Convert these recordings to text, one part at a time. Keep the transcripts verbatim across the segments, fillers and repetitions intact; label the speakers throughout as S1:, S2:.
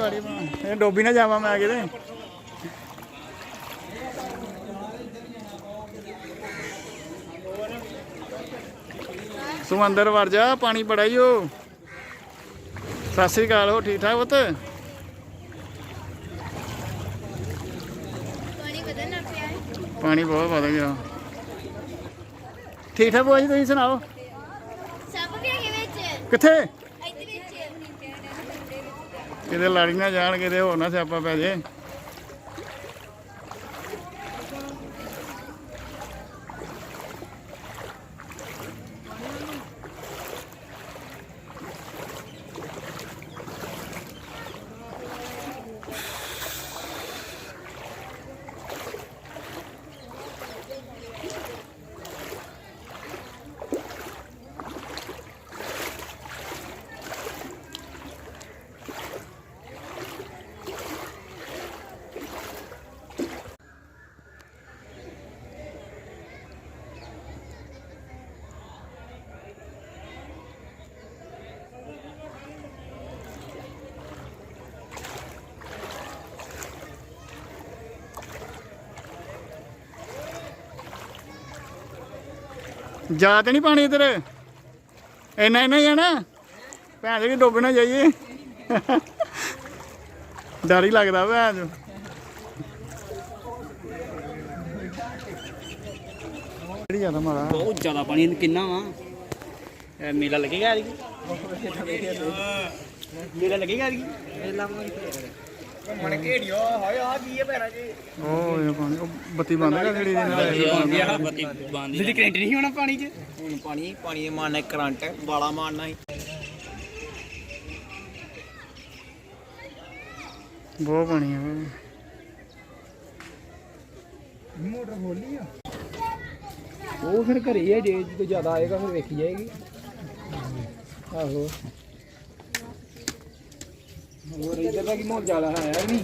S1: ਗਾੜੀ ਬਣਾ ਇਹ ਡੋਬੀ ਨਾ ਜਾਵਾਂ ਮੈਂ ਕਿਤੇ। ਤੂੰ ਅੰਦਰ ਵੜ ਜਾ, ਪਾਣੀ ਬੜਾ ਹੀ ਉਹ। ਸਤਿ ਸ੍ਰੀ ਅਕਾਲ, ਹੋ ਠੀਕ ਠਾਕ ਪੁੱਤ? ਪਾਣੀ ਬਹੁਤ ਵਧ ਗਿਆ। ਠੀਕ ਠਾਕ ਭੂਆ ਜੀ, ਤੁਸੀਂ ਸੁਣਾਓ? ਕਿੱਥੇ ਕਿਤੇ ਲੜੀ ਨਾ ਜਾਣ, ਕਿਤੇ ਹੋਰ ਨਾ ਸਿਆਪਾ ਪੈ ਜੇ। ਜਾ ਤੇ ਨਹੀਂ ਪਾਣੀ ਇੱਧਰ, ਇੰਨਾ ਇੰਨਾ ਹੀ ਆ ਨਾ ਭੈਣ ਜੀ, ਡੁੱਬ ਨਾ ਜਾਈਏ। ਡਰ ਹੀ ਲੱਗਦਾ ਭੈਣ ਚੋ। ਕਿਹੜੀ ਜ਼ਿਆਦਾ ਮਾੜਾ?
S2: ਬਹੁਤ ਜ਼ਿਆਦਾ ਪਾਣੀ ਕਿੰਨਾ ਵਾ? ਮੇਲਾ ਲੱਗੇਗਾ ਯਾਰ, ਮੇਲਾ ਲੱਗੇਗਾ ਯਾਰ, ਮੇਲਾ ਮਣ ਘੇੜਿਓ ਹਾਏ ਆ ਕੀ ਹੈ ਪੈਰਾਂ 'ਚ।
S1: ਉਹ ਇਹ ਪਾਣੀ ਉਹ ਬੱਤੀ ਬੰਦ ਕਰ ਜਿਹੜੀ ਦੇ ਨਾਲ
S2: ਬੱਤੀ ਬੰਦ ਦੀ ਕਰੰਟ ਨਹੀਂ ਹੋਣਾ ਪਾਣੀ 'ਚ। ਹੁਣ ਪਾਣੀ ਪਾਣੀ ਮਾਰਨਾ ਕਰੰਟ ਵਾਲਾ ਮਾਰਨਾ ਸੀ।
S1: ਬਹੁਤ ਪਾਣੀ ਆ।
S2: ਮੋਟਰ ਖੋਲੀ ਆ ਉਹ ਫਿਰ ਘਰੇ ਆ, ਜੇ ਜਦੋਂ ਜ਼ਿਆਦਾ ਆਏਗਾ ਫਿਰ ਵੇਖੀ ਜਾਏਗੀ। ਆਹੋ ਹੋਰ ਇੱਧਰ ਦਾ ਕੀ ਮਾਹੌਲ ਜ਼ਿਆਦਾ ਹੈ ਨਹੀਂ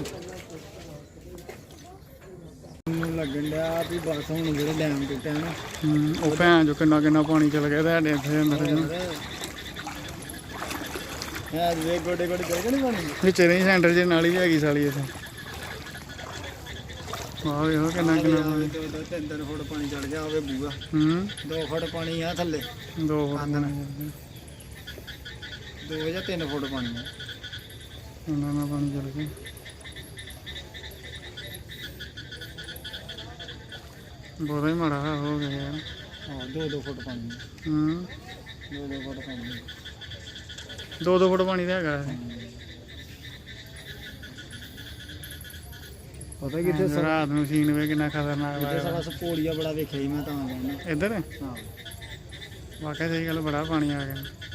S2: ਲੱਗਣ ਡਿਆ ਵੀ ਬਸ ਹੁਣ ਜਿਹੜੇ ਡੈਮ ਟੁੱਟਿਆ ਨਾ।
S1: ਹੂੰ ਉਹ ਭੈਣ ਜੋ ਕਿੰਨਾ ਕਿੰਨਾ ਪਾਣੀ ਚਲ ਗਿਆ ਤੁਹਾਡੇ ਇੱਥੇ ਅੰਦਰ ਨੂੰ।
S2: ਹੈ ਵੇ ਗੋਡੇ ਗੋਡੇ ਚਲ ਗਏ ਨੀ ਪਾਣੀ
S1: ਵਿੱਚ ਨਹੀਂ ਸੈਂਟਰ 'ਚ ਨਾਲੀ ਵੀ ਹੈਗੀ ਸਾਲੀ ਇੱਥੇ। ਆਹ ਵੇਖੋ ਕਿੰਨਾ ਕਿੰਨਾ ਪਾਣੀ।
S2: ਦੋ ਦੋ ਤਿੰਨ ਤਿੰਨ ਫੁੱਟ ਪਾਣੀ ਚੜ ਗਿਆ ਹੋਵੇ ਬੂਆ।
S1: ਹੂੰ
S2: ਦੋ ਫੁੱਟ ਪਾਣੀ ਆ ਥੱਲੇ,
S1: ਦੋ ਫੁੱਟ
S2: ਦੋ ਜਾਂ ਤਿੰਨ ਫੁੱਟ ਪਾਣੀ ਆ।
S1: ਉਹਨਾਂ ਨਾਲ ਪਾਣੀ ਚਲ ਗਿਆ। ਬਹੁਤ ਹੀ ਮਾੜਾ ਹੋ ਗਿਆ ਯਾਰ।
S2: ਹਾਂ ਦੋ ਦੋ ਫੁੱਟ ਪਾਣੀ।
S1: ਹੂੰ
S2: ਦੋ ਦੋ ਫੁੱਟ ਪਾਣੀ।
S1: ਦੋ ਦੋ ਫੁੱਟ ਪਾਣੀ ਤਾਂ ਹੈਗਾ।
S2: ਪਤਾ ਕਿੱਥੇ
S1: ਰਾਤ ਨੂੰ ਸੀਨ ਵੇ ਕਿੰਨਾ ਖਤਰਨਾਕ
S2: ਇੱਥੇ ਸਾਲਾ
S1: ਲੱਗਦਾ।
S2: ਸਪੋਲੀਆ ਬੜਾ ਵੇਖਿਆ ਸੀ ਮੈਂ ਤਾਂ ਕਹਿੰਦਾ।
S1: ਇੱਧਰ
S2: ਹਾਂ
S1: ਵਾਕਿਆ ਸਹੀ ਗੱਲ, ਬੜਾ ਪਾਣੀ ਆ ਗਿਆ।